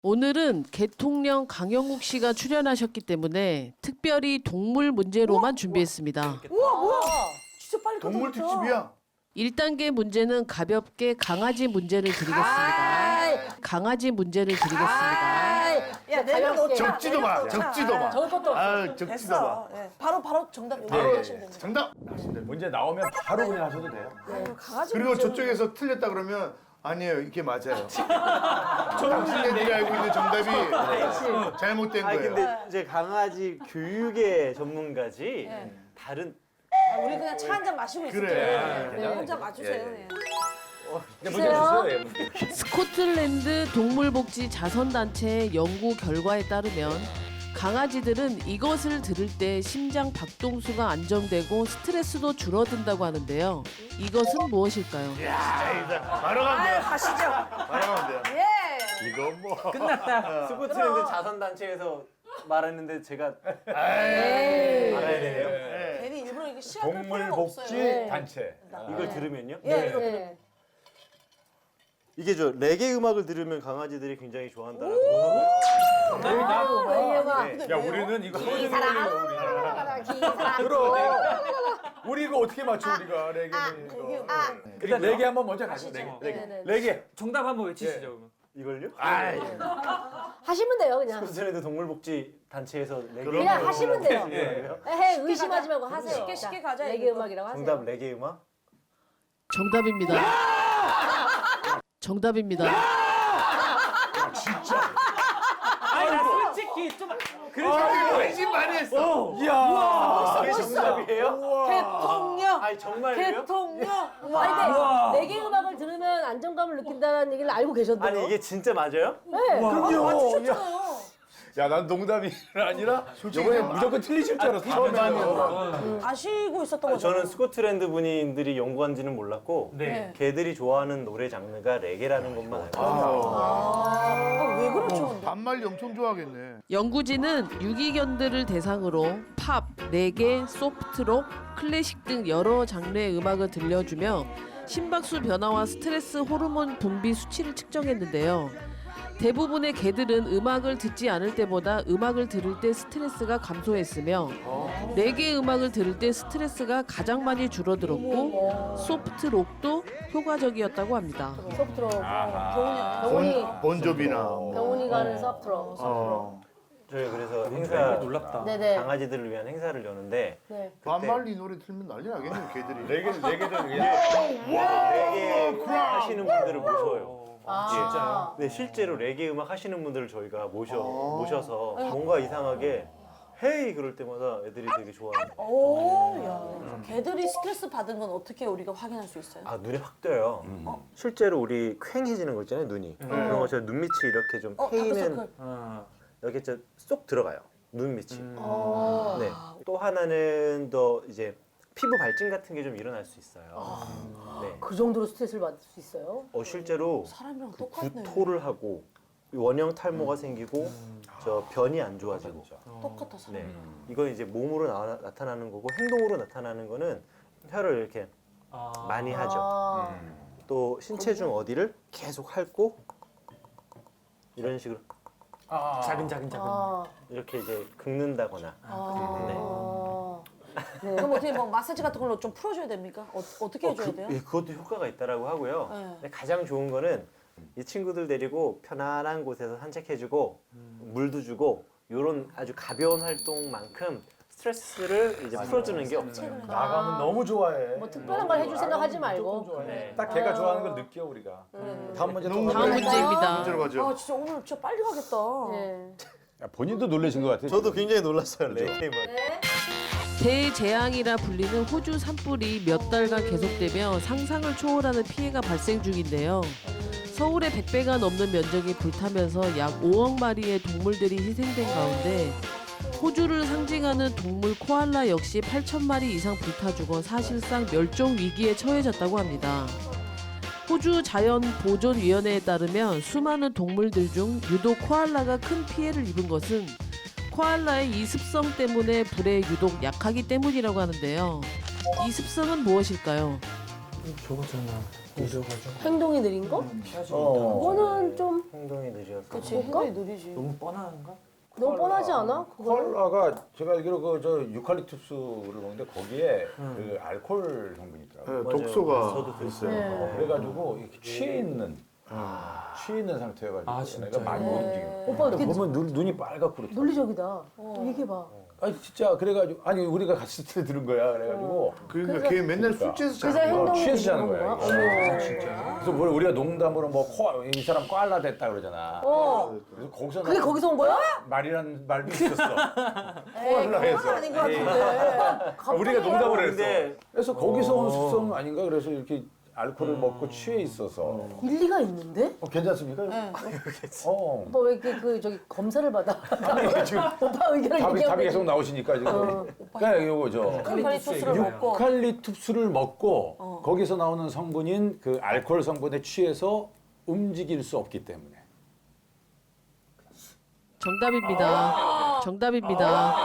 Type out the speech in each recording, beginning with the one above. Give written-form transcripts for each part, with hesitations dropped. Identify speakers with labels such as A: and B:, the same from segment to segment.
A: 오늘은 개통령 강영욱 씨가 출연하셨기 때문에 특별히 동물 문제로만 준비했습니다.
B: 우와 뭐야? 진짜 빨리
C: 동물
B: 끝났다.
C: 특집이야.
A: 1단계 문제는 가볍게 강아지 문제를 드리겠습니다. 강아지 문제를 드리겠습니다.
B: 야 내가 놓자.
C: 적지도 마. 적지도 마.
B: 적을 것도 없어.
C: 아, 적지도 마.
B: 됐어. 예. 바로 정답 여기
C: 예,
B: 하시면 됩니다.
C: 정답.
D: 문제 나오면 바로 그냥 하셔도 돼요.
B: 아유, 강아지
C: 그리고
B: 문제는
C: 저쪽에서 틀렸다 그러면 아니에요. 이게 맞아요. 당신들이 알고 있는 정답이 잘못된
E: 아니
C: 거예요.
E: 근데 이제 강아지 교육의 전문가지 다른
B: 우리 그냥 차 한 잔 마시고 있을게요.
C: 그래.
B: 네. 혼자 맞추세요. 네.
D: 문제 주세요. 예, 문제.
A: 스코틀랜드 동물복지 자선단체의 연구 결과에 따르면 강아지들은 이것을 들을 때 심장 박동수가 안정되고 스트레스도 줄어든다고 하는데요. 이것은 무엇일까요?
C: 바로 가면
B: 아유
C: 돼요.
B: 가시죠.
C: 바로 가면 돼요.
B: 예.
C: 이거 뭐.
E: 스코틀랜드 자선단체에서 말했는데 제가
C: 에이.
E: 알아야 되네요.
C: 네.
B: 괜히 일부러 이거 시작할 필요가
D: 동물복지
B: 없어요.
D: 단체.
E: 이걸 들으면요?
B: 예, 이거 들으면.
E: 이게 저 레게 음악을 들으면 강아지들이 굉장히 좋아한다라고
B: 네.
D: 야 우리는 이거 하루 종일
F: 기사랑
D: 우리 이거 어떻게 맞춰 우리가 레게는 이거. 일단 레게 한번 먼저 가죠. 레게.
G: 정답 한번 외치시죠. 그러면.
E: 이걸요?
F: 하시면 돼요 그냥.
E: 스코틀랜드 동물복지 단체에서 레게
C: 그럼.
F: 그냥 하시면 돼요.
E: 음악이에요?
F: 에헤 의심하지 말고 하세요.
B: 쉽게 가자.
F: 레게 음악이라고 하세요.
E: 정답 레게 음악?
A: 정답입니다. 정답입니다.
G: 아니 나 솔직히 좀
C: 회심 많이 했어.
E: 이게 정답이에요?
B: 대통령.
E: 아니 정말요?
B: 대통령.
F: 아니 근데 레게 음악을 들으면 안정감을 느낀다는 얘기를 알고 계셨대요.
E: 아니 이게 진짜 맞아요?
F: 네.
B: 맞추셨잖아요.
D: 야 난 농담이 아니라 이번에 무조건 틀리실 줄 알았어. 처음에.
B: 아시고 있었던 거죠.
E: 저는 스코틀랜드 분들이 연구한지는 몰랐고
G: 네.
E: 걔들이 좋아하는 노래 장르가 레게라는 것만 알고
B: 왜 그렇죠?
C: 반말리 엄청 좋아하겠네.
A: 연구진은 유기견들을 대상으로 팝, 레게, 소프트록, 클래식 등 여러 장르의 음악을 들려주며 심박수 변화와 스트레스 호르몬 분비 수치를 측정했는데요. 대부분의 개들은 음악을 듣지 않을 때보다 음악을 들을 때 스트레스가 감소했으며 레게 음악을 들을 때 스트레스가 가장 많이 줄어들었고 소프트록도 효과적이었다고 합니다.
F: 소프트로
B: 병원이.
C: 본조비나.
F: 병원이 가는 소프트로.
E: 저희 그래서 행사
G: 놀랍다.
F: 네네.
E: 강아지들을 위한 행사를 여는데
F: 네.
C: 반말리 노래 틀면 난리 나겠네 개들이.
D: 레게도 그냥
E: 레게 하시는 분들을 모셔요.
F: 진짜요?
E: 네 실제로 레게 음악 하시는 분들을 저희가 모셔서 뭔가 이상하게 헤이 그럴 때마다 애들이 되게 좋아해요.
B: 오, 야. 개들이 스트레스 받은 건 어떻게 우리가 확인할 수 있어요?
E: 아 눈에 확 띄어요. 실제로 우리 퀭해지는 거 있잖아요 눈이. 그런 것처럼 눈밑이 이렇게 좀 패이는
B: 다크서클.
E: 이렇게 쏙 들어가요. 눈밑이. 네. 또 하나는 더 이제 피부 발진 같은 게 좀 일어날 수 있어요. 네.
F: 그 정도로 스트레스를 받을 수 있어요?
E: 실제로
B: 사람이랑
E: 그
B: 똑같네.
E: 구토를 하고 원형 탈모가 생기고 저 변이 안 좋아지고.
B: 똑같아 사람.
E: 네. 이건 이제 몸으로 나타나는 거고 행동으로 나타나는 거는 혀를 이렇게 많이 하죠. 또 신체 중 어디를 계속 핥고 이런 식으로
G: 자근자근.
E: 이렇게 이제 긁는다거나.
B: 그럼 어떻게 뭐 마사지 같은 걸로 좀 풀어줘야 됩니까? 어떻게 해줘야 돼요?
E: 그것도 효과가 있다라고 하고요.
B: 네.
E: 근데 가장 좋은 거는 이 친구들 데리고 편안한 곳에서 산책해주고 물도 주고 이런 아주 가벼운 활동만큼 스트레스를 이제 풀어주는 게 없어요.
D: 나가면 너무 좋아해.
F: 뭐 특별한 걸 해줄 생각하지 말고.
E: 네.
D: 딱 걔가 좋아하는 걸 느껴 우리가. 다음 문제 또
A: 다음 문제입니다.
C: 문제로 가죠.
B: 아 진짜 오늘 진짜 빨리 가겠다.
F: 네.
D: 야, 본인도 놀라신 것 같아요.
E: 저도 굉장히 놀랐어요. 레게 음악.
A: 대재앙이라 불리는 호주 산불이 몇 달간 계속되며 상상을 초월하는 피해가 발생 중인데요. 서울의 100배가 넘는 면적이 불타면서 약 5억 마리의 동물들이 희생된 가운데 호주를 상징하는 동물 코알라 역시 8천 마리 이상 불타 죽어 사실상 멸종 위기에 처해졌다고 합니다. 호주 자연보존위원회에 따르면 수많은 동물들 중 유독 코알라가 큰 피해를 입은 것은 코알라의 이 습성 때문에 불에 유독 약하기 때문이라고 하는데요. 이 습성은 무엇일까요?
F: 행동이 느린 거? 그거는 좀
E: 행동이 느려서.
B: 그치, 행동이 느리지.
G: 너무 뻔한가?
F: 너무 뻔하지 않아? 그거는?
D: 콜라가 제가 알기로 그 저 유칼립투스를 먹는데 거기에 그 알코올 성분이 있더라고요.
C: 네, 독소가
E: 저도 그랬어요.
F: 네.
D: 그래가지고 이렇게 취해 있는 상태여가지고
G: 아,
D: 내가
G: 진짜요?
D: 많이 못 움직여.
F: 오빠 어떻게
D: 보면 눈이 빨갛고 그렇다.
F: 논리적이다. 얘기해봐.
D: 아니 진짜 그래가지고 아니 우리가 갔을 때 들은 거야. 그래가지고
C: 그러니까 걔 맨날 술 취해서
F: 그래서
C: 자는 거야.
F: 행동이
D: 취해서 자는
F: 느린
D: 거야.
F: 거야?
D: 이게. 그래서 뭘 우리가 농담으로 이 사람 꽈라 됐다 그러잖아. 그래서 거기서
F: 그게 거기서 온 거야?
D: 말이란 말도 있었어.
B: 에이,
D: 콜라
B: 그건
D: 해서.
B: 아닌 것 같은데.
D: 우리가 농담을
E: 근데
D: 했어. 그래서 거기서 온 습성 아닌가? 그래서 이렇게 알코올을 먹고 취해 있어서
F: 일리가 있는데?
D: 괜찮습니까?
F: 오빠 왜 이렇게 저기 검사를 받아?
D: 지금
F: 오빠 의견을
D: 답이
F: 얘기하고
D: 계속 나오시니까 지금. 그러니까 요거 저
B: 유칼립투스를 먹고.
D: 유칼립투스를 먹고 거기서 나오는 성분인 그 알코올 성분에 취해서 움직일 수 없기 때문에.
A: 정답입니다. 정답입니다.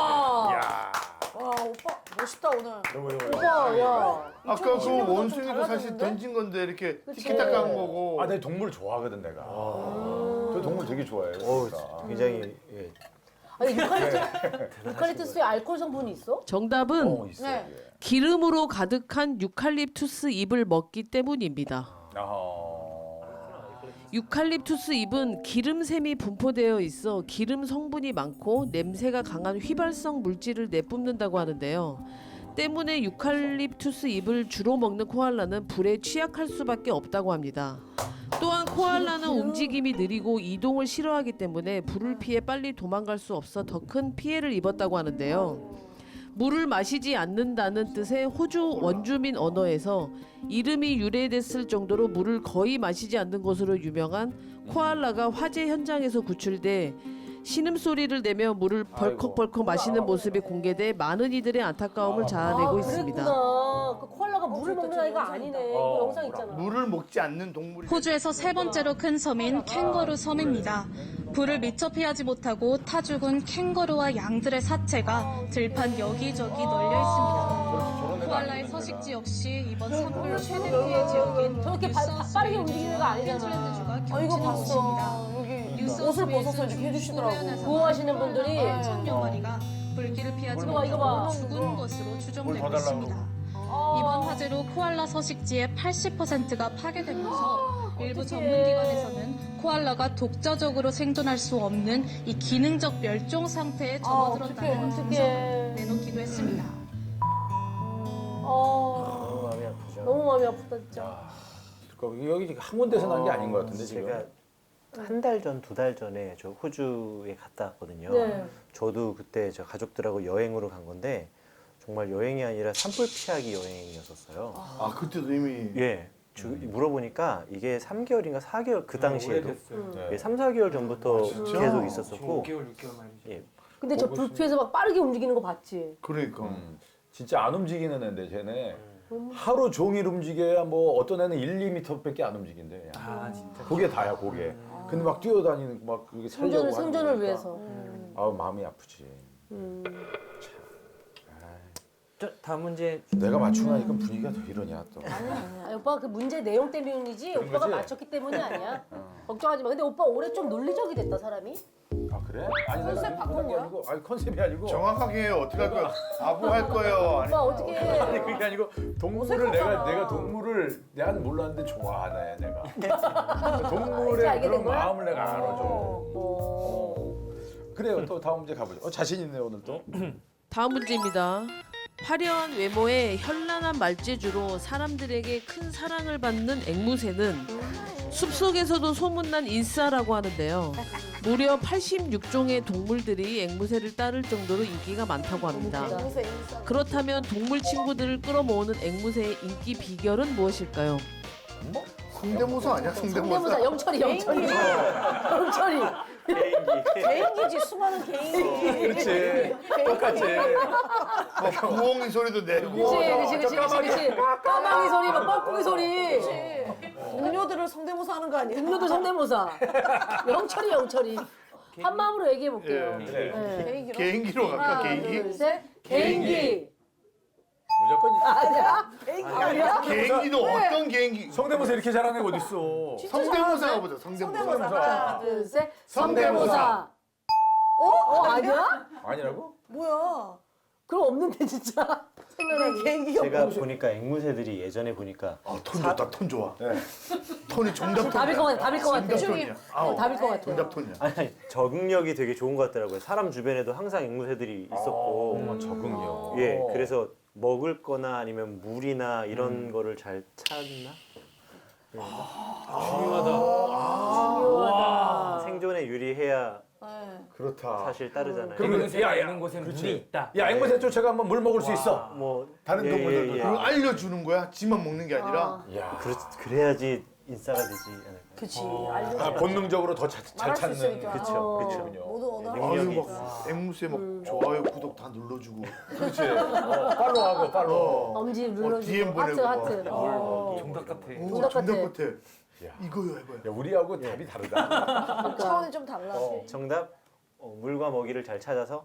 B: 와, 오빠 멋있다 오늘.
F: 오빠 야
C: 아까 그
B: 2020 년보다 좀
C: 원숭이도 사실
B: 달라졌는데?
C: 던진 건데 이렇게
F: 그치.
C: 티키타카 한 거고.
D: 아, 내 동물 좋아하거든 내가. 저 동물 되게 좋아해요.
E: 어우,
D: 진짜.
E: 굉장히 예.
F: 아니 유칼립투스에 알코올 성분이 있어?
A: 정답은
D: 있어.
B: 네.
D: 이게.
A: 기름으로 가득한 유칼립투스 잎을 먹기 때문입니다. 유칼립투스 잎은 기름샘이 분포되어 있어 기름 성분이 많고 냄새가 강한 휘발성 물질을 내뿜는다고 하는데요. 때문에 유칼립투스 잎을 주로 먹는 코알라는 불에 취약할 수밖에 없다고 합니다. 또한 코알라는 움직임이 느리고 이동을 싫어하기 때문에 불을 피해 빨리 도망갈 수 없어 더 큰 피해를 입었다고 하는데요. 물을 마시지 않는다는 뜻의 호주 원주민 언어에서 이름이 유래됐을 정도로 물을 거의 마시지 않는 것으로 유명한 코알라가 화재 현장에서 구출돼 신음소리를 내며 물을 벌컥벌컥 마시는 모습이 공개돼 많은 이들의 안타까움을 자아내고 있습니다.
F: 그랬구나. 그 코알라가 물을 먹는 아이가 아니네. 이거 영상 있잖아.
C: 물을 먹지 않는 동물이.
H: 호주에서 세 번째로 큰 섬인 캥거루 섬입니다. 불을 미처 피하지 못하고 타 죽은 캥거루와 양들의 사체가 들판 여기저기 널려 있습니다. 코알라의 서식지 역시 이번 산불 최대 피해 지역인
F: 저렇게 빠르게 움직이는 거 아니잖아.
B: 아 이거 봤어. 여기 옷을 벗어서 이렇게 해주시더라고.
F: 구호하시는 분들이
H: 천여 마리가 불길을 피하지
F: 이거 봐, 이거 봐.
H: 못하고 죽은 것으로 추정되고
D: 더 달라고
H: 있습니다. 이번 화재로 코알라 서식지의 80%가 파괴되면서 일부 전문기관에서는 코알라가 독자적으로 생존할 수 없는 이 기능적 멸종 상태에 접어들었다는 분석을 내놓기도 했습니다.
E: 너무 마음이 아프죠.
F: 너무 마음이 아프다 진짜.
D: 여기 한 군데서 난 게 아닌 것 같은데 지금.
E: 제가 한 달 전, 두 달 전에 저 호주에 갔다 왔거든요.
F: 네.
E: 저도 그때 저 가족들하고 여행으로 간 건데 정말 여행이 아니라 산불 피하기 여행이었었어요.
C: 아 그때도 이미.
E: 예. 물어보니까 이게 3개월인가 4개월 그 당시에도
D: 네.
E: 예, 3, 4개월 전부터
C: 진짜?
E: 계속 있었었고
G: 5개월, 6개월 말이지.
E: 예.
F: 근데 저 불 피해서 막 빠르게 움직이는 거 봤지?
C: 그러니까.
D: 진짜 안 움직이는 애인데 쟤네 하루 종일 움직여야 뭐 어떤 애는 1, 2m밖에 안 움직인대.
G: 아, 진짜.
D: 그게 다야 그게. 근데 막 뛰어다니는 막 그게 살려고
F: 생존을
D: 하는 거니까.
F: 위해서.
D: 아우 마음이 아프지.
G: 다음 문제.
D: 내가 맞추고 나니까 분위기가 더 이러냐 또.
F: 아니, 오빠 그 문제 내용 때문이지
D: 그런
F: 오빠가
D: 거지?
F: 맞췄기 때문이 아니야. 걱정하지 마. 근데 오빠 올해 좀 논리적이 됐다 사람이.
D: 아 그래? 아니
B: 컨셉
D: 내가
B: 바꾼
D: 그런 게
B: 거야?
D: 아니고, 아니 컨셉이 아니고.
C: 정확하게 해요. 어떻게 할 거야? 아부 할 거예요. 아니,
F: 오빠 어떻게 해?
D: 아니 그게 아니고 동물을 내가 동물을 내가 몰랐는데 좋아하네 내가.
F: 이제
D: 동물의
F: 알게 된
D: 그런
F: 거야?
D: 마음을 내가 알아줘.
F: 어.
D: 그래요. 또 다음 문제 가보죠. 자신 있네 오늘 또.
A: 다음 문제입니다. 화려한 외모에 현란한 말재주로 사람들에게 큰 사랑을 받는 앵무새는 숲속에서도 소문난 인싸라고 하는데요. 무려 86종의 동물들이 앵무새를 따를 정도로 인기가 많다고 합니다.
B: 인사 인사.
A: 그렇다면 동물 친구들을 끌어모으는 앵무새의 인기 비결은 무엇일까요?
C: 성대모사 아니야?
F: 성대모사
C: 성대모사.
F: 영철이. 영철이.
B: 개인기지 수많은 개인기.
D: 그렇지. 똑같이.
C: 구엉이 소리도 내고.
F: 그치. 까마귀 소리, 막 뻐꾸기 소리.
B: 동료들을 성대모사 하는 거 아니야?
F: 동료도 성대모사. 영철이. 한 마음으로 얘기해 볼게요.
C: 예.
D: 그래.
F: 네.
B: 개인기로.
C: 개인기로 갈까?
F: 하나,
C: 개인기?
F: 둘, 셋. 개인기.
D: 무조건
F: 아니야?
C: 개인기도 어떤 개인기?
D: 성대모사 이렇게 잘하는 애가 어딨어.
C: 성대모사가 보자. 성대모사.
F: 하나, 둘, 셋.
C: 성대모사.
F: 아니야?
D: 아니라고?
B: 뭐야?
F: 그럼 없는데 진짜. 생각나는
B: 개인기가
E: 제가 보니까 앵무새들이 예전에 보니까
C: 톤 좋다. 톤 좋아. 톤이 정답 톤이야.
F: 답일 것 같아. 답일 것 같아.
C: 정답 톤이야. 아우,
F: 답일 것 같아.
C: 정답 톤이야.
E: 아니, 적응력이 되게 좋은 것 같더라고요. 사람 주변에도 항상 앵무새들이 있었고.
D: 적응력.
E: 예, 그래서 먹을 거나 아니면 물이나 이런 거를 잘 찾나?
F: 중요하다.
E: 생존에 유리해야
B: 네.
C: 그렇다.
E: 사실 따르잖아요.
D: 그러면
G: 앵무새가
D: 야,
G: 있는 곳엔
D: 그렇지.
G: 물이 있다.
D: 야, 앵무새 쫓아가 한번 물 먹을 수 있어.
E: 뭐
D: 다른 동물들도
C: 그걸 알려주는 거야? 지만 먹는 게 아니라.
D: 야.
E: 그래야지 인싸가 되지 않을까.
B: 그치.
D: 아,
B: 알려줘.
D: 본능적으로 더 잘
B: 말할 수
D: 찾는.
B: 있으니까.
E: 그쵸,
F: 그쵸.
B: 모두 언어를
C: 아유
E: 능력이
C: 막 앵무새 막 좋아요 구독 다 눌러주고.
D: 그렇지. 팔로우하고 팔로우.
F: 엄지
C: DM
F: 눌러주고 하트
C: 보내고
F: 하트.
C: 막.
G: 정답 같아.
C: 오, 정답
F: 같아.
C: 같아. 이거요 해봐요.
D: 야, 우리하고 답이 다르다.
B: 차원이 좀 달라.
E: 정답 물과 먹이를 잘 찾아서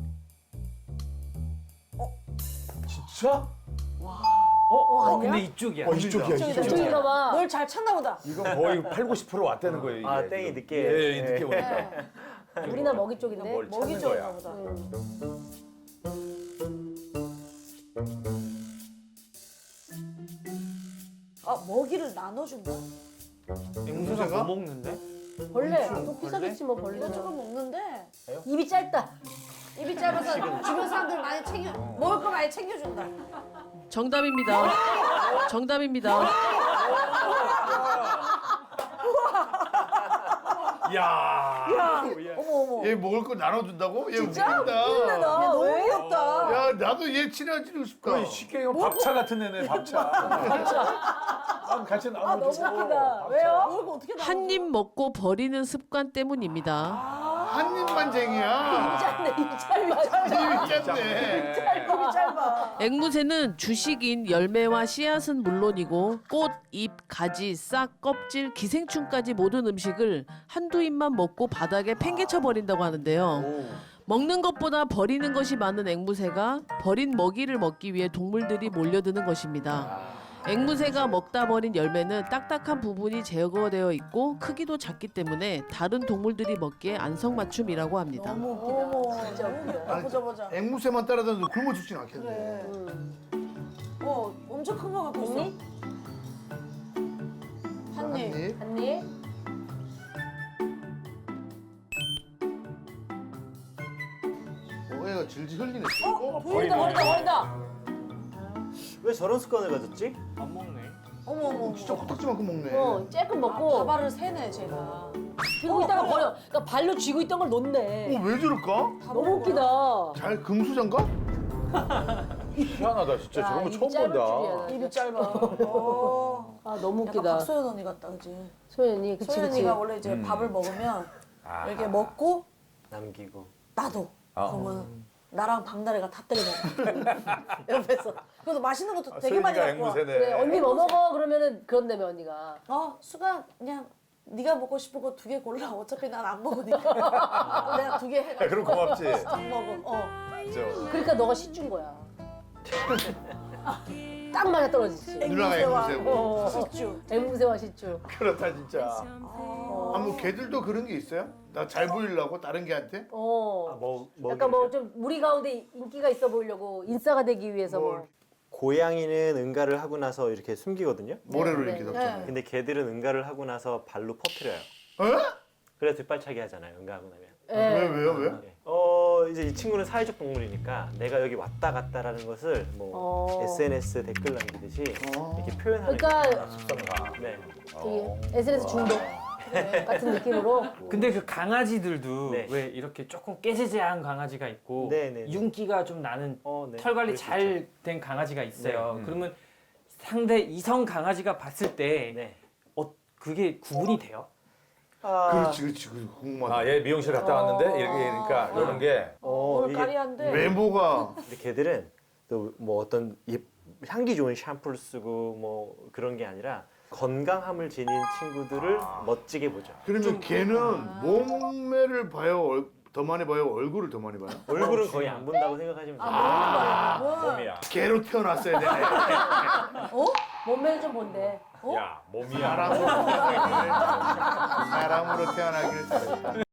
D: 진짜?
G: 근데 이쪽이야.
C: 이쪽이야.
F: 이쪽인가 봐.
B: 널 잘 찾나 보다.
D: 이건 거의 8, 90% 왔다는 거예요. 이게.
E: 아, 땡이 늦게.
D: 예, 예, 늦게 오니까.
F: 우리나 먹이 쪽인데.
D: 뭘
B: 먹이
D: 찾는
B: 쪽인가
D: 거야.
B: 보다. 아 먹이를 나눠준다.
G: 앵무새가 뭐 먹는데?
F: 벌레. 또 피사겠지 뭐 벌레.
B: 이것저것 먹는데
F: 입이 짧다.
B: 입이 짧아서 주변 사람들 많이 챙겨 먹을 거 많이 챙겨준다.
A: 정답입니다. 정답입니다.
D: 야.
B: 어머.
C: 얘 먹을 거 나눠준다고? 얘
B: 진짜?
C: 웃긴다.
B: 야 너무 귀엽다.
C: 야 나도 얘 친해지고 싶다.
D: 거의 쉽게 얘기하면 밥차 같은 애네, 밥차. 밥차. 같이 나눠.
F: 너무 웃기다. 왜요?
B: 먹을 거 어떻게 나눠?
A: 한 입 먹고 버리는 습관 때문입니다.
C: 한 입만쟁이야.
F: 짧네. 입 짧아.
C: 입이 짧네.
B: 입이 짧아.
A: 앵무새는 주식인 열매와 씨앗은 물론이고 꽃, 잎, 가지, 싹, 껍질, 기생충까지 모든 음식을 한두 입만 먹고 바닥에 팽개쳐 버린다고 하는데요. 먹는 것보다 버리는 것이 많은 앵무새가 버린 먹이를 먹기 위해 동물들이 몰려드는 것입니다. 앵무새가 먹다 버린 열매는 딱딱한 부분이 제거되어 있고 크기도 작기 때문에 다른 동물들이 먹기에 안성맞춤이라고 합니다.
B: 너무 웃기다. 어머 진짜 웃기다. 보자.
C: 앵무새만 따라다녀도 굶어 죽진 않겠네.
B: 그래. 엄청 큰 거 갖고 있어.
F: 언니?
B: 한 입.
F: 언니?
C: 얘가 질질 흘리네.
F: 버린다.
E: 왜 저런 습관을 가졌지?
G: 안 먹네.
B: 어머.
C: 진짜 코딱지만큼 먹네.
F: 쬐끔 먹고
B: 밥알을 세네 제가.
F: 들고 있다가 버려. 그러니까 발로 쥐고 있던 걸 놓네.
C: 왜 저럴까?
F: 너무 웃기다.
C: 잘 금수저인가?
D: 희한하다, 진짜. 저런 거
F: 입이
D: 처음
F: 짧을
D: 본다.
F: 줄이야.
B: 입이 짧아.
F: 아 너무
B: 약간
F: 웃기다.
B: 박소연 언니 같다, 그지?
F: 소연이 그치 그치.
B: 소연이가 원래 이제 밥을 먹으면 이렇게 먹고
E: 남기고.
B: 나도.
D: 아.
B: 그러면 나랑 박나래가 다 때려 먹어. 옆에서. 그래서 맛있는 것도 되게 많이
D: 소연이가
B: 갖고 와.
D: 앵무새네.
F: 그래 언니 뭐 먹어 그러면은 그런다며 언니가.
B: 수가 그냥 네가 먹고 싶은 거 2개 골라. 어차피 난 안 먹으니까. 내가 2개 해가지고.
D: 야, 그럼 고맙지.
B: 딱 먹어.
F: 그러니까 너가 시준 거야. 딱 맞아 떨어지지.
C: 누나가 앵무새고.
B: 식주.
F: 앵무새와 시주.
D: 그렇다, 진짜.
C: 뭐 개들도 그런 게 있어요? 나 잘 보이려고 다른 개한테?
F: 약간 뭐 좀 무리 가운데 인기가 있어 보이려고 인싸가 되기 위해서 뭐.
E: 고양이는 응가를 하고 나서 이렇게 숨기거든요.
C: 모래로
F: 네,
C: 이렇게
F: 네.
C: 덮잖아요.
E: 근데 개들은 응가를 하고 나서 발로 퍼뜨려요.
C: 에?
E: 그래서 뒷발차기 하잖아요. 응가하고 나면.
F: 예.
C: 왜?
E: 이제 이 친구는 사회적 동물이니까 내가 여기 왔다 갔다라는 것을 뭐 SNS 댓글 남기듯이 이렇게 표현하는
F: 그러니까
D: 습성가.
E: 네.
F: 되게 SNS 중독 같은 느낌으로.
G: 근데 그 강아지들도
E: 네.
G: 왜 이렇게 조금 깨재재한 강아지가 있고
E: 네.
G: 윤기가 좀 나는
E: 네.
G: 털 관리
E: 그럴 수
G: 잘 된 강아지가 있어요.
D: 네.
G: 그러면 상대 이성 강아지가 봤을 때
E: 네.
G: 그게 구분이 돼요?
C: 그렇지. 궁금하다.
D: 아, 얘 미용실 갔다 왔는데 이렇게 그러니까 이런 게
B: 오늘
E: 이게
B: 까리한데.
C: 외모가
E: 근데 개들은 또 뭐 어떤 향기 좋은 샴푸를 쓰고 뭐 그런 게 아니라 건강함을 지닌 친구들을 멋지게 보죠.
C: 그러면 걔는 몸매를 봐요? 더 많이 봐요? 얼굴을 더 많이 봐요?
E: 얼굴은 거의 안 본다고 생각하시면 돼요.
D: 몸이야.
C: 개로 태어났어야 되네.
F: 몸매는 좀 본데.
D: 야, 몸이야.
C: 사람으로 태어나길 잘했다.